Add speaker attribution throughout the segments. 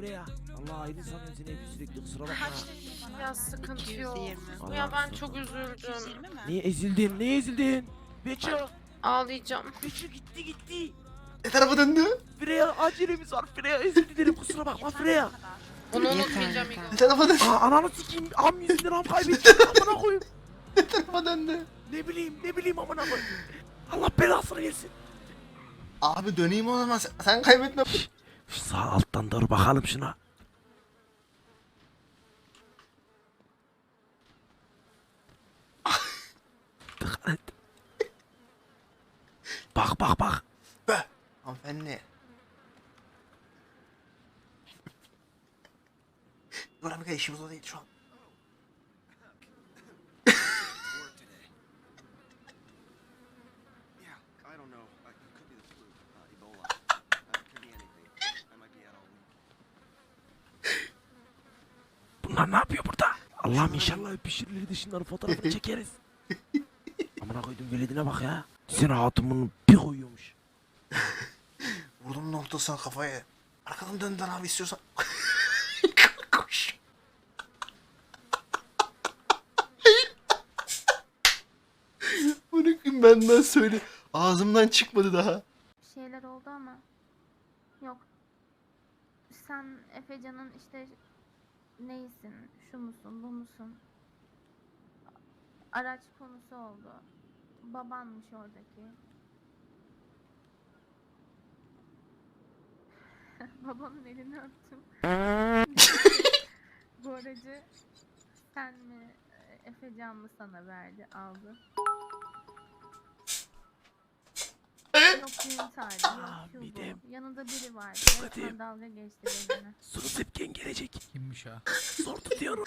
Speaker 1: Freya. Allah ayrı sanıyorum seni hep sürekli, kusura bakma.
Speaker 2: Kaç dedin bana?
Speaker 3: Ya sıkıntı yok.
Speaker 2: 220.
Speaker 3: Ya ben
Speaker 1: Allah
Speaker 3: çok
Speaker 1: Allah.
Speaker 3: üzüldüm.
Speaker 2: 220 mi?
Speaker 1: Niye ezildin? Niye ezildin? Beço.
Speaker 3: Ağlayacağım.
Speaker 1: Beço gitti.
Speaker 4: Ne tarafa döndü?
Speaker 1: Freya acelemiz var. Freya özür dilerim, kusura bakma Freya.
Speaker 3: Onu
Speaker 2: Yeter,
Speaker 3: unutmayacağım
Speaker 2: yeter.
Speaker 3: İgo.
Speaker 4: Ne tarafa döndü?
Speaker 1: Aa, ananı sikeyim. Am yüzünden am kaybettim. Amına koyayım.
Speaker 4: Ne tarafa döndü?
Speaker 1: Ne bileyim amına koyayım. Allah belasını versin.
Speaker 4: Abi döneyim o zaman sen kaybetme.
Speaker 1: Şu sağ alttan doğru bakalım şuna. Dikkat et. Bak.
Speaker 4: Be. Hanımefendi. Dur abi işimiz o değil şu an.
Speaker 5: I don't know. It could be the flu, Ebola. It could be anything. I might be out all week.
Speaker 1: Bunlar ne yapıyor burada? Allah'ım inşallah öpüşürler de şunların fotoğrafını çekeriz. Amına koydum veledine bak ya. Sen hatun bir koyuyormuş.
Speaker 4: Vurdum noktasına kafaya. Arkadan döndüler abi istiyorsan. Koş. Bırakın benden söyle. Ağzımdan çıkmadı daha.
Speaker 6: Bir şeyler oldu ama yok. Sen Efecan'ın işte neysin, şu musun, bu musun? Araç konusu oldu. Babanmış oradaki. Babamın elini öptüm. Bu aracı sen mi, Efecan mı sana verdi, aldı? Yok düğün tarihi,
Speaker 1: Aa,
Speaker 6: yok şu
Speaker 1: midem.
Speaker 6: bu. Yanında biri vardı.
Speaker 1: Hadi.
Speaker 6: Resmen dalga geçti benimle.
Speaker 1: Sunu tepken gelecek.
Speaker 7: Kimmiş ha?
Speaker 1: Zor tutuyorum.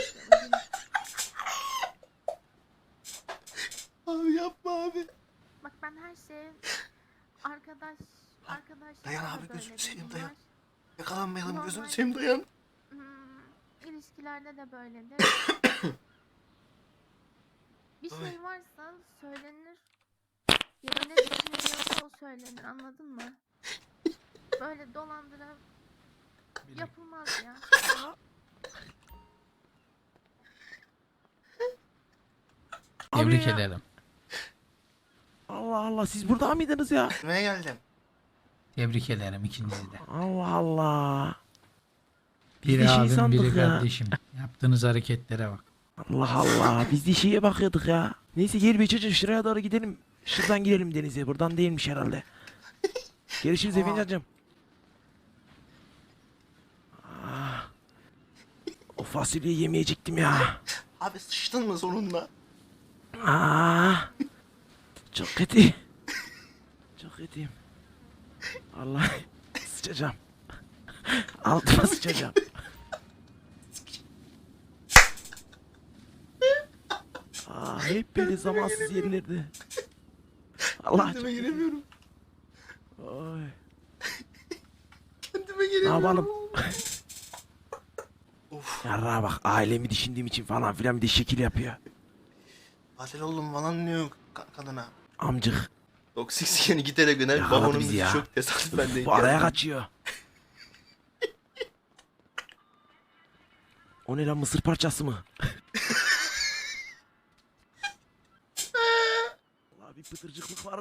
Speaker 4: Abi yapma abi.
Speaker 6: Bak ben her şeye arkadaş
Speaker 4: Dayan
Speaker 6: da
Speaker 4: abi,
Speaker 6: böyle
Speaker 4: gözünü seveyim,
Speaker 6: bir
Speaker 4: dayan.
Speaker 6: var.
Speaker 4: Yakalanmayalım
Speaker 6: Normal.
Speaker 4: gözünü seveyim dayan.
Speaker 6: İlişkilerde de böyledir. Bir
Speaker 4: Ay.
Speaker 6: şey varsa söylenir. Ya da ne düşünülüyorsa o söylenir, anladın mı? Böyle dolandıra yapılmaz ya.
Speaker 7: Tebrik
Speaker 1: ya.
Speaker 7: ederim.
Speaker 1: Allah Allah, siz burada mıydınız ya?
Speaker 4: Nereye geldim?
Speaker 7: Tebrik ederim ikinizi de.
Speaker 1: Allah Allah. Biz
Speaker 7: Biri
Speaker 1: de şey
Speaker 7: abim
Speaker 1: sandık
Speaker 7: biri
Speaker 1: ya.
Speaker 7: kardeşim. Yaptığınız hareketlere bak.
Speaker 1: Allah Allah, biz de şeye bakıyorduk ya. Neyse gel bir çocuğum, şuraya doğru gidelim. Şuradan girelim denize, buradan değilmiş herhalde. Görüşürüz efendim. Ah. O fasulyeyi yemeyecektim ya.
Speaker 4: Abi sıçtın mı sonunda?
Speaker 1: Çok kötü. Çok kötüyüm. Allah, sıçacağım. Altıma sıçacağım. Hep böyle zamansız yerlerde. Allah çok
Speaker 4: Kendime
Speaker 1: kötü.
Speaker 4: giremiyorum.
Speaker 1: Oy.
Speaker 4: Kendime
Speaker 1: Ne
Speaker 4: giremiyorum.
Speaker 1: yapalım?
Speaker 4: Of.
Speaker 1: Yarrağa bak, ailemi düşündüğüm için falan filan bir de şekil yapıyor.
Speaker 4: Katil oldum falan diyor kadına.
Speaker 1: Amcık.
Speaker 4: Toksik yani git hele Güner.
Speaker 1: Yakaladı
Speaker 4: Babamın
Speaker 1: bizi
Speaker 4: bizi
Speaker 1: ya.
Speaker 4: çok tesadüfen denk
Speaker 1: Bu araya
Speaker 4: geldi.
Speaker 1: kaçıyor. O ne lan, mısır parçası mı? Allah, bir pıtırcıklık var.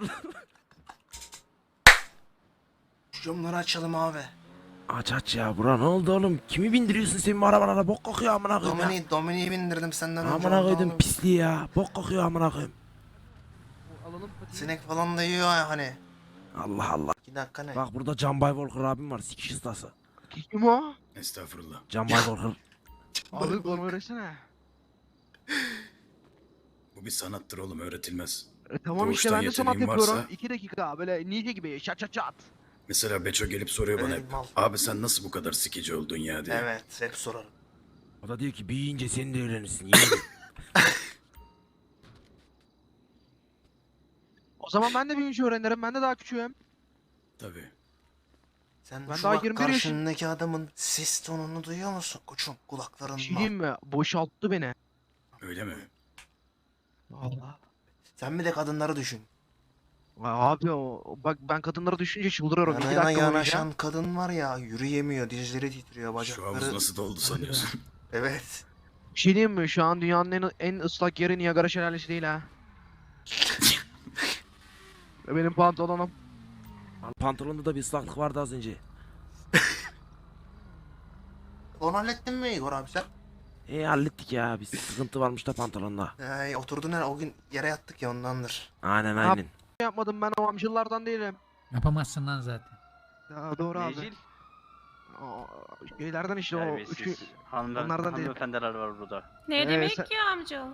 Speaker 4: Şu camları açalım abi.
Speaker 1: Aç ya, bura ne oldu oğlum? Kimi bindiriyorsun sen bu arabalara? Bok kokuyor amına koyayım ya.
Speaker 4: Dominik'i bindirdim senden önce.
Speaker 1: Amına
Speaker 4: oldu
Speaker 1: koydum
Speaker 4: oğlum.
Speaker 1: pisliği ya. Bok kokuyor amına koyayım.
Speaker 4: Sinek falan da yiyor ya hani.
Speaker 1: Allah Allah.
Speaker 4: 2 dakika ne?
Speaker 1: Bak burada Can Bay Volker abim var, sikiş ustası.
Speaker 8: Kim o?
Speaker 5: Estağfurullah.
Speaker 1: Can Bay Volker.
Speaker 8: Abi konu öğretsene.
Speaker 5: Bu bir sanattır oğlum, öğretilmez.
Speaker 8: Tamam işte
Speaker 5: Doğuştan
Speaker 8: ben de sanat
Speaker 5: yeteneğin
Speaker 8: yapıyorum.
Speaker 5: varsa-
Speaker 8: 2 dakika böyle ninja gibi çat çat çat.
Speaker 5: Mesela Beço gelip soruyor bana
Speaker 4: Ey
Speaker 5: hep.
Speaker 4: mal.
Speaker 5: Abi sen nasıl bu kadar sikici oldun ya diye.
Speaker 4: Evet hep sorarım.
Speaker 1: O da diyor ki büyüyünce sen de öğrenirsin. Yemin.
Speaker 8: O zaman ben de bir şey öğrenirim. Ben de daha küçüğüm.
Speaker 5: Tabii.
Speaker 4: Sen
Speaker 8: Ben
Speaker 4: şu
Speaker 8: daha
Speaker 4: bak
Speaker 8: 21 yaşım-
Speaker 4: karşındaki adamın ses tonunu duyuyor musun koçum
Speaker 8: Bir
Speaker 4: kulaklarından?
Speaker 8: şey diyeyim mi? Boşalttı beni.
Speaker 5: Öyle mi?
Speaker 8: Allah.
Speaker 4: Sen bir de kadınları düşün.
Speaker 8: Abi bak ben kadınlara düşünce çıldırıyorum. 2
Speaker 4: Yanına
Speaker 8: dakika boyunca.
Speaker 4: yanaşan kadın var ya, yürüyemiyor, dizleri titriyor,
Speaker 2: Şu havuz
Speaker 4: bacakları.
Speaker 2: nasıl doldu sanıyorsun?
Speaker 4: Evet.
Speaker 8: Bir şey diyeyim mi? Şu an dünyanın en ıslak yeri Niagara Şelalesi değil ha. Ve benim pantolonum.
Speaker 1: Pantolonda da bir ıslaklık vardı az önce.
Speaker 4: Onu hallettin mi Igor abi sen?
Speaker 1: Hallettik ya. Bir sıkıntı varmış da pantolonda.
Speaker 4: Oturdun her o gün yere yattık ya, ondandır.
Speaker 1: Aynen
Speaker 8: Yap.
Speaker 1: aynen.
Speaker 8: Yapmadım ben o amcıllardan değilim.
Speaker 7: Yapamazsın lan zaten.
Speaker 8: Ya doğru abi.
Speaker 3: Necil?
Speaker 8: O şeylerden işte o üçü.
Speaker 3: Terbiyesiz.
Speaker 8: onlardan değil.
Speaker 3: Hanımefendiler var burada.
Speaker 9: Ne demek
Speaker 8: sen-
Speaker 9: ya amca?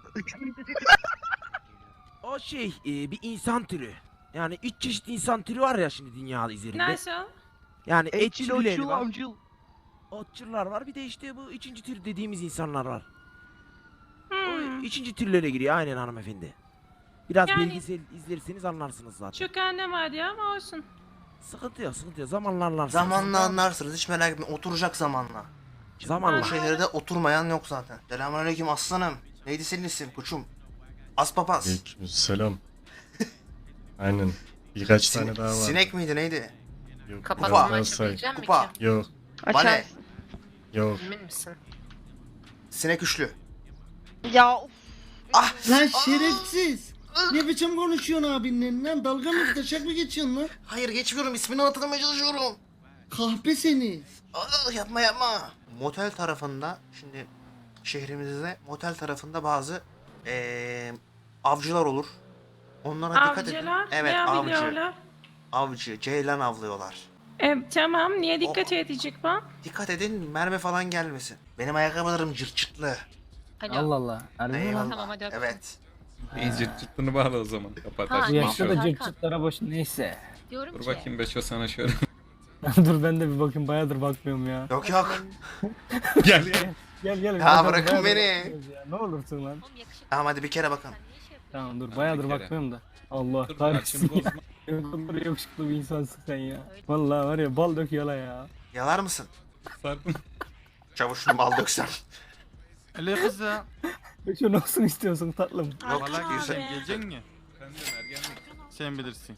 Speaker 1: O şey bir insan türü. Yani 3 çeşit insan türü var ya şimdi dünya üzerinde.
Speaker 9: Nasıl?
Speaker 1: Yani
Speaker 8: Etçil
Speaker 1: etçilleri
Speaker 8: otçul
Speaker 1: var.
Speaker 8: amcıl.
Speaker 1: Otçular var. Bir de işte bu 3. tür dediğimiz insanlar var. O
Speaker 9: Hmm.
Speaker 1: 3. türlere giriyor aynen hanımefendi. Biraz
Speaker 9: Yani-
Speaker 1: belgesel izlerseniz anlarsınız zaten.
Speaker 9: Çok anlamadı ama olsun.
Speaker 1: Sıkıntı yok sıkıntı yok. Zamanla anlarsınız.
Speaker 4: Zamanla anlarsınız, hiç merak etme, oturacak zamanla.
Speaker 1: Zamanla.
Speaker 4: Bu şehirde oturmayan yok zaten. Selamünaleyküm aslanım. Neydi senin isim koçum? Aspapaz.
Speaker 10: Selam. Aynen. Birkaç tane daha var.
Speaker 4: Sinek miydi neydi?
Speaker 10: Yok,
Speaker 4: Kapatma
Speaker 10: biraz daha say.
Speaker 4: Kupa.
Speaker 10: Yok.
Speaker 4: Vale.
Speaker 10: Yok.
Speaker 11: Emin misin?
Speaker 4: Sinek üçlü.
Speaker 11: Ya of.
Speaker 4: Ah!
Speaker 12: Lan şerefsiz. Ne biçim konuşuyorsun abinle lan? Dalga mı taşak mı geçiyorsun lan?
Speaker 4: Hayır geçmiyorum, ismini hatırlamaya çalışıyorum.
Speaker 12: Kahpe seni.
Speaker 4: Yapma yapma. Motel tarafında, şimdi şehrimizde motel tarafında bazı avcılar olur. Onlara dikkat edin.
Speaker 9: Avcılar
Speaker 4: Evet,
Speaker 9: ne
Speaker 4: avcı.
Speaker 9: avlıyorlar?
Speaker 4: Avcı, ceylan avlıyorlar.
Speaker 9: Tamam niye dikkat edecek bu?
Speaker 4: Dikkat edin, mermi falan gelmesin. Benim ayakkabılarım cırt cırtlı.
Speaker 11: Alo.
Speaker 12: Allah.
Speaker 4: Eyvallah.
Speaker 11: Tamam, hadi öptüm.
Speaker 4: Evet.
Speaker 10: Cırt cırtını bağla o zaman. Kapat.
Speaker 11: Ha,
Speaker 12: Bu yaşta da
Speaker 11: Hakan.
Speaker 12: cırt cırtlara boş neyse.
Speaker 11: Diyorum
Speaker 10: Dur
Speaker 11: ki.
Speaker 10: bakayım Beço sana şöyle.
Speaker 12: Dur ben de bir bakayım, bayağıdır bakmıyorum ya.
Speaker 4: Yok yok.
Speaker 10: Gel gel.
Speaker 12: Gel.
Speaker 4: Ya
Speaker 12: bakalım,
Speaker 4: bırakın
Speaker 12: bayağıdır
Speaker 4: beni.
Speaker 12: bakmıyoruz ya. Ne olursun lan.
Speaker 11: Oğlum yakışıklı.
Speaker 4: Tamam hadi bir kere bakın.
Speaker 11: Sen niye şey yapıyorsun?
Speaker 12: Tamam dur,
Speaker 10: bir
Speaker 12: bayağıdır
Speaker 10: kere.
Speaker 12: bakmıyorum da. Allah
Speaker 10: Dur
Speaker 12: kahretsin
Speaker 10: şimdi
Speaker 12: ya.
Speaker 10: bozma.
Speaker 12: Ne kadar yakışıklı bir insansın sen ya. Vallahi var ya, bal dök yola ya.
Speaker 4: Yalar mısın?
Speaker 10: Sarpın.
Speaker 4: Çavuşun bal döksem.
Speaker 3: Ali kız ya.
Speaker 12: Şu olsun istiyorsun tatlım.
Speaker 4: Yok
Speaker 9: Hakan
Speaker 4: güzel.
Speaker 9: abi.
Speaker 3: Gelecek mi?
Speaker 10: Sen de ergenlik.
Speaker 3: Sen bilirsin.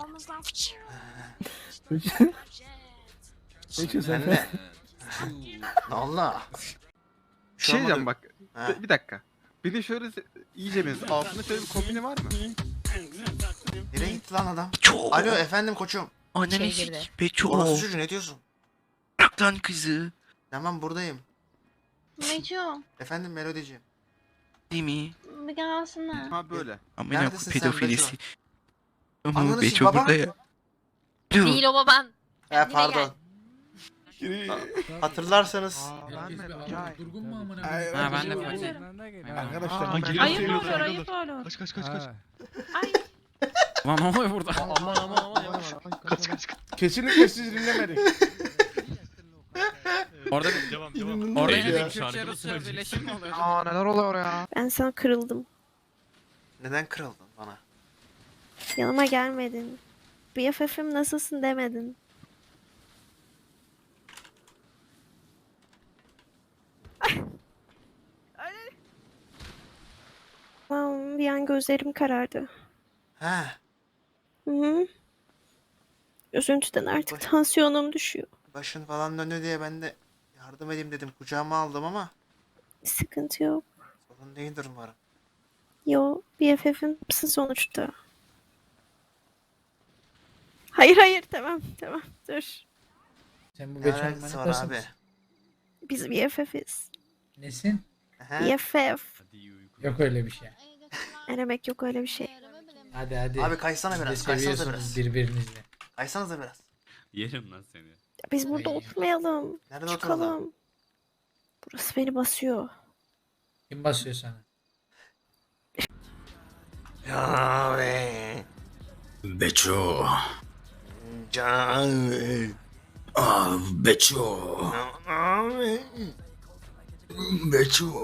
Speaker 12: Peki sen.
Speaker 4: Ben de. Allah.
Speaker 3: Şey diyeceğim bak.
Speaker 4: Ha.
Speaker 3: Bir dakika. Bir de şöyle iyice benziyor. Altında şöyle bir kombini var mı?
Speaker 4: Nereye gitti lan adam? Alo efendim koçum.
Speaker 11: Şey girdi.
Speaker 4: Orası çocuğu ne diyorsun?
Speaker 8: Bırak lan kızı.
Speaker 4: Tamam buradayım.
Speaker 6: Neco
Speaker 4: Efendim Melodiciğim.
Speaker 8: Değil mi?
Speaker 6: bir gelsene.
Speaker 3: Ha böyle.
Speaker 4: Neredesin sen Beço? Ananı
Speaker 8: Beço
Speaker 4: sik baba.
Speaker 8: burada ya.
Speaker 11: Değil o baban.
Speaker 4: He
Speaker 11: Kendine
Speaker 4: pardon. Hatırlarsanız.
Speaker 8: Ben mi? Cahil.
Speaker 7: Durgun mu amına
Speaker 9: Ha, ben de
Speaker 3: Arkadaşlar.
Speaker 9: Ayıp olur ayıp olur.
Speaker 8: Kaç kaç kaç kaç.
Speaker 9: Ay
Speaker 3: Lan ne oluyor burada?
Speaker 8: Kaç kaç kaç.
Speaker 12: Kesinlikle siz dinlemedik.
Speaker 3: Orada
Speaker 12: Orada
Speaker 3: Kürtçe Rusça birleşim mi oluyor?
Speaker 8: Aa neler oluyor ya?
Speaker 6: Ben sana kırıldım.
Speaker 4: Neden kırıldın bana?
Speaker 6: Yanıma gelmedin. BFF'im nasılsın demedin. Bir an gözlerim karardı.
Speaker 4: He.
Speaker 6: Hı hı. Üzüntüden artık tansiyonum düşüyor.
Speaker 4: Başın falan döndü diye ben de yardım edeyim dedim. Kucağıma aldım ama
Speaker 6: Sıkıntı yok.
Speaker 4: sorun değildir umarım.
Speaker 6: Yo, BFF'imsin sonuçta. Hayır tamam dur.
Speaker 7: Sen bu
Speaker 4: Ne
Speaker 7: Beço'nun
Speaker 4: alakası var
Speaker 7: manitasın
Speaker 4: abi?
Speaker 7: mısın?
Speaker 6: Biz BFF'iz.
Speaker 7: Nesin?
Speaker 4: He.
Speaker 6: BFF.
Speaker 7: Yok öyle bir şey.
Speaker 6: Ne demek yok öyle bir şey.
Speaker 7: Hadi hadi.
Speaker 4: Abi kaysana
Speaker 7: Siz de
Speaker 4: biraz. Kaysanıza
Speaker 7: seviyorsunuz
Speaker 4: biraz.
Speaker 7: birbirinizle.
Speaker 4: Kaysanıza biraz.
Speaker 2: Yerim lan seni.
Speaker 6: Biz burada
Speaker 7: Ay.
Speaker 6: oturmayalım.
Speaker 4: Nerede
Speaker 6: Çıkalım.
Speaker 4: oturalım?
Speaker 6: Burası beni basıyor.
Speaker 7: Kim basıyor sana?
Speaker 4: Ya be.
Speaker 2: Beço.
Speaker 4: Can.
Speaker 2: Beço.
Speaker 4: Abi.
Speaker 2: Beço.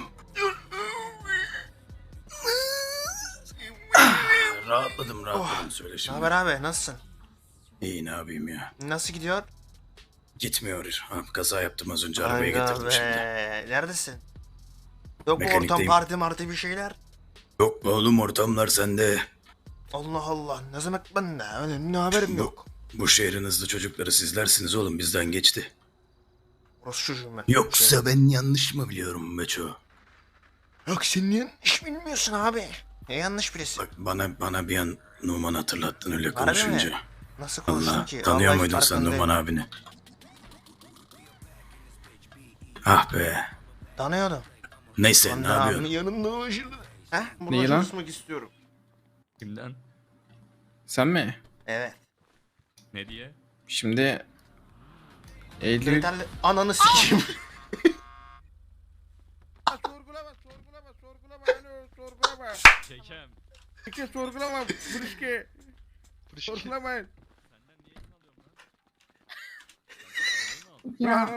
Speaker 2: Rahatladım söyle
Speaker 4: Ne
Speaker 2: şimdi.
Speaker 4: haber abi? Nasılsın?
Speaker 2: İyi ne yapayım ya.
Speaker 4: Nasıl gidiyor?
Speaker 2: Gitmiyor. Ha, kaza yaptım az önce arabaya
Speaker 4: Aga
Speaker 2: getirdim şimdi.
Speaker 4: Neredesin? Yok mu ortam
Speaker 2: Mekanikteyim.
Speaker 4: parti marti bir şeyler?
Speaker 2: Yok be oğlum ortamlar sende.
Speaker 4: Allah Allah. Ne demek ben ne haberim yok.
Speaker 2: Bu şehrin hızlı çocukları sizlersiniz oğlum, bizden geçti.
Speaker 4: Orası çocuğum ben.
Speaker 2: Yoksa ben yanlış mı biliyorum Beço?
Speaker 4: Yok sen niye iş bilmiyorsun abi? Ne yanlış birisi.
Speaker 2: Bak bana bir an Numan hatırlattın öyle
Speaker 4: Harbi mi?
Speaker 2: konuşunca.
Speaker 4: Nasıl konuştun
Speaker 2: Allah,
Speaker 4: ki?
Speaker 2: tanıyor
Speaker 4: Vallahi
Speaker 2: muydun sen
Speaker 4: farkındayım.
Speaker 2: Numan abini? Ah be.
Speaker 4: Tanıyordum.
Speaker 2: Neyse
Speaker 4: Ben
Speaker 2: ne
Speaker 4: de abimin
Speaker 2: yapıyorsun?
Speaker 4: yanında ulaşırdım. Heh, burada
Speaker 10: Neyi lan?
Speaker 4: çalışmak istiyorum.
Speaker 10: Kimden? Sen mi?
Speaker 4: Evet.
Speaker 10: Ne diye? Şimdi Eylül
Speaker 4: Kriterli ananı sikeyim.
Speaker 10: Çekem.
Speaker 6: Ya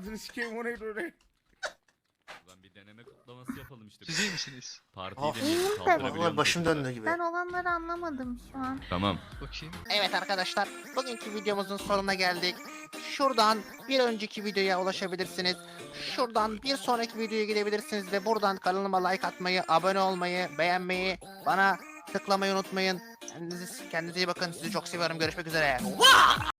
Speaker 10: Bir deneme kutlaması yapalım işte.
Speaker 8: Siz iyi misiniz?
Speaker 10: Partiyi
Speaker 4: Of.
Speaker 6: iyiyim de
Speaker 4: Vallahi başım döndü gibi.
Speaker 6: ben olanları anlamadım şu an.
Speaker 10: Tamam.
Speaker 8: Bakayım.
Speaker 4: Evet arkadaşlar, bugünkü videomuzun sonuna geldik. Şuradan bir önceki videoya ulaşabilirsiniz. Şuradan bir sonraki videoya gidebilirsiniz ve buradan kanalıma like atmayı, abone olmayı, beğenmeyi, bana tıklamayı unutmayın. Kendinize iyi bakın. Sizi çok seviyorum. Görüşmek üzere.